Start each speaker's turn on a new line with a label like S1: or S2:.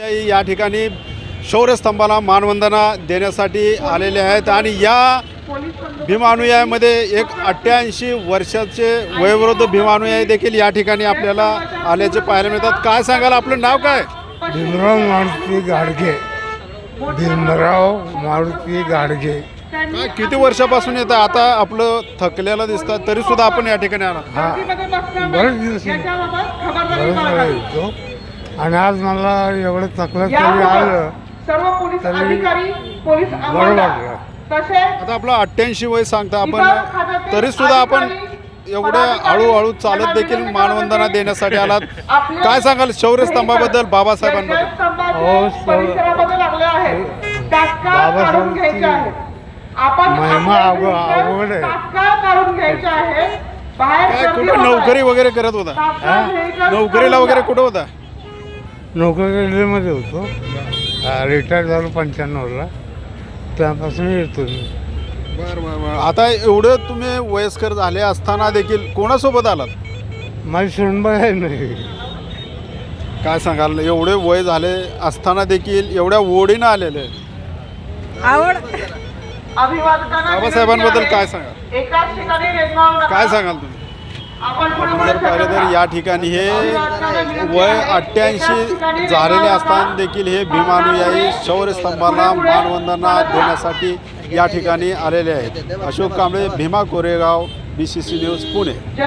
S1: या ठिकाणी शौर्यस्तंभाला मानवंदना देण्यासाठी आलेले आहेत आणि या भीमानुयायामध्ये एक 88 वर्षाचे वयोवृद्ध भीमानुयायी देखील या ठिकाणी आपल्याला आल्याचे पाहायला मिळतात. काय सांगाल, आपलं नाव काय?
S2: भीमराव मारुती गाडगे. भीमराव मारुती गाडगे.
S1: काय किती वर्षापासून येतं? आता आपलं थकलेलं दिसतं तरी सुद्धा आपण या ठिकाणी आला.
S2: हा बरेच दिवस येतो आणि आज मला एवढं थकलं तरी आलं तरी बरं वाटलं.
S1: आता आपलं 88 वय सांगता आपण तरी सुद्धा आपण एवढं हळूहळू चालत देखील मानवंदना देण्यासाठी आलात. काय सांगाल शौर्यस्तंभाबद्दल, बाबासाहेबांबद्दल?
S2: बाबासाहेबांची महिमा अवघड आहे.
S1: काय कुठं नोकरी वगैरे करत होता? नोकरीला वगैरे कुठं होता?
S2: नोकरी रेल्वेमध्ये होतो. रिटायर झालो 95ला. त्यापासून येतो मी.
S1: बरं बरं बरं. आता एवढं तुम्ही वयस्कर झाले असताना देखील कोणासोबत आलात?
S2: माझी सुनबाई आहे नाही.
S1: काय सांगाल, एवढे वय झाले असताना देखील एवढ्या ओढीनं आलेले
S3: आवड
S1: बाबासाहेबांबद्दल काय सांगाल? काय सांगाल तुम्ही? आपण जर पाहिलं तर या ठिकाणी हे वय 88 झालेले असताना देखील हे भीमानुयायी शौर्यस्तंभाला मानवंदना देण्यासाठी या ठिकाणी आलेले आहेत. Ashok Kamble, Bhima Koregaon, BCC news, Pune.